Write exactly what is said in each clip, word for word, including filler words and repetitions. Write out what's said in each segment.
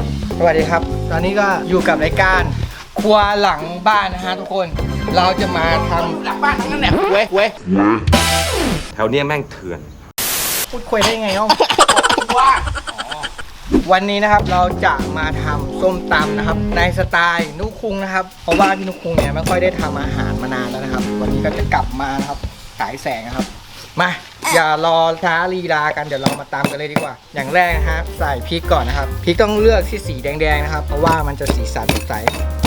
สวัสดีครับตอนนี้ก็อยู่กับรายการครัวหลังบ้านนะฮะทุกคนเราจะมาทำหลังบ้านทั้งนั้นแหละเว้ยเว้ยแถวเนี้ยแม่งเถื่อนพูดคุยได้ยังไงน้องว่าวันนี้นะครับเราจะมาทำส้มตำนะครับในสไตล์นุคุงนะครับเพราะว่าพี่นุคุงเนี่ยไม่ค่อยได้ทำอาหารมานานแล้วนะครับวันนี้ก็จะกลับมานะครับฉายแสงนะครับมาอย่ารอช้าลีลากันเดี๋ยวเรามาตำกันเลยดีกว่าอย่างแรกนะครับใส่พริกก่อนนะครับพริกต้องเลือกที่สีแดงๆนะครับเพราะว่ามันจะสีสันสดใส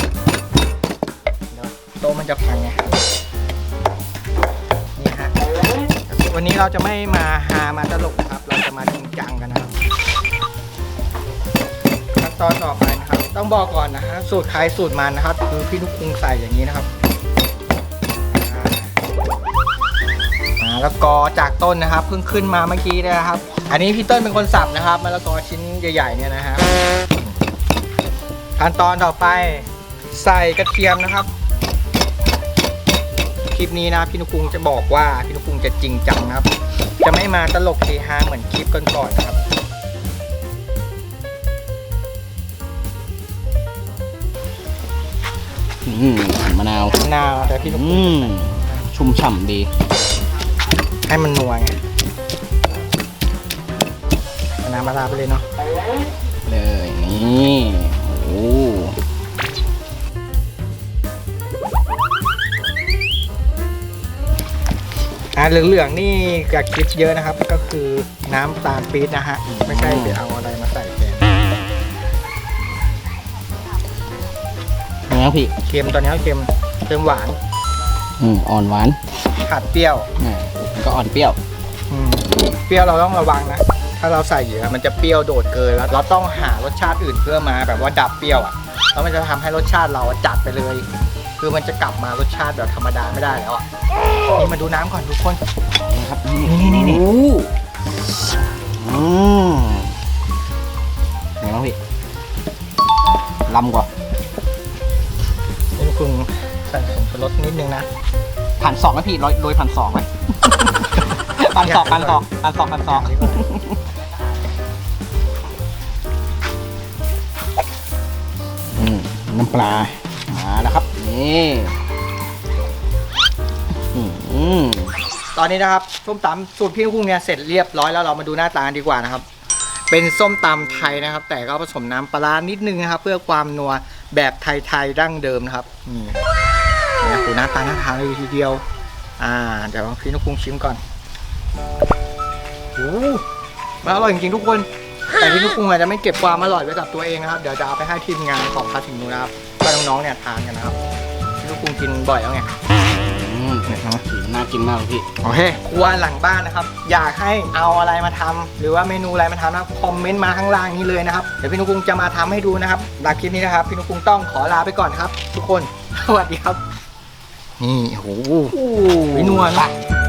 โต๊ะมันจะพังไงครับนี่ฮะวันนี้เราจะไม่มาฮามาตลกนะครับเราจะมาจริงจังกันนะครับขั้นตอนต่อไปนะครับต้องบอกก่อนนะฮะสูตรใครสูตรมันนะครับคือพี่นุคุงใส่อย่างนี้นะครับมะละกอจากต้นนะครับเพิ่งขึ้นมาเมื่อกี้นะครับอันนี้พี่ต้นเป็นคนสับนะครับมะละกอชิ้นใหญ่ๆเนี่ยนะฮะขั้นตอนต่อไปใส่กระเทียมนะครับคลิปนี้นะพี่นุคุงจะบอกว่าพี่นุคุงจะจริงจังนะครับจะไม่มาตลกเฮฮาเหมือนคลิปก่อนๆนะครับอืมมะนาวมะนาวแต่พี่นุคุงชุ่มฉ่ำดีให้มันนัวไงมะนาวมาลาไปเลยเนาะเลยนี่โอ้อ่าเหลืองๆนี่กับคลิปเยอะนะครับก็คือน้ำตาลปี๊บนะฮะไม่ใช่ไปเอาอะไรมาใส่แทนนี่พี่เค็มตอนนี้เค็มเค็มหวานอืมอ่อนหวานขาดเปรี้ยวอ่าก็อ่อนเปรี้ยวอืมเปรี้ยวเราต้องระวังนะถ้าเราใส่เยอะมันจะเปรี้ยวโดดเกินแล้วเราต้องหารสชาติอื่นเพื่อมาแบบว่าดับเปรี้ยวอ่ะแล้วมันจะทำให้รสชาติเราจัดไปเลยคือมันจะกลับมารสชาติแบบธรรมดาไม่ได้แล้วอ่ะนี่มาดูน้ำก่อนทุกคนนะครับนี่นี่นี่อืมไงบ้างพี่ลำกว่านี่คุณใส่ผงชูรสนิดนึงนะผ่านสองไหมพี่โรยโรยผ่านสองไหมผ่านสองผ่านสองผ่านสองผ่านสองอืมน้ำปลามาแล้วครับนี่ตอนนี้นะครับส้มตำสูตรพี่นุคุงเนี่ยเสร็จเรียบร้อยแล้วเรามาดูหน้าตาดีกว่านะครับเป็นส้มตำไทยนะครับแต่ก็ผสมน้ำปลานิดนึงนะครับเพื่อความนัวแบบไทยๆดั้งเดิมนะครับนี่ดูหน้าตาหน้าทานเลยทีเดียวอ่าเดี๋ยวพี่นุคุงชิมก่อนโอ้มันอร่อยจริงๆทุกคนแต่พี่นุคุงอาจจะไม่เก็บความอร่อยไว้กับตัวเองนะครับเดี๋ยวจะเอาไปให้ทีมงานของพาถึงนูนะครับก็น้องๆเนี่ยทานกันนะครับพี่นุคุงกินบ่อยแล้วไงน่ากินมากเลยพี่โอเคครัวหลังบ้านนะครับอยากให้เอาอะไรมาทำหรือว่าเมนูอะไรมาทำนะครับคอมเมนต์มาข้างล่างนี้เลยนะครับเดี๋ยวพี่นุคุงจะมาทำให้ดูนะครับหลังคลิปนี้นะครับพี่นุคุงต้องขอลาไปก่อนครับทุกคนสวัสดีครับนี่โอ้โหนัวนะ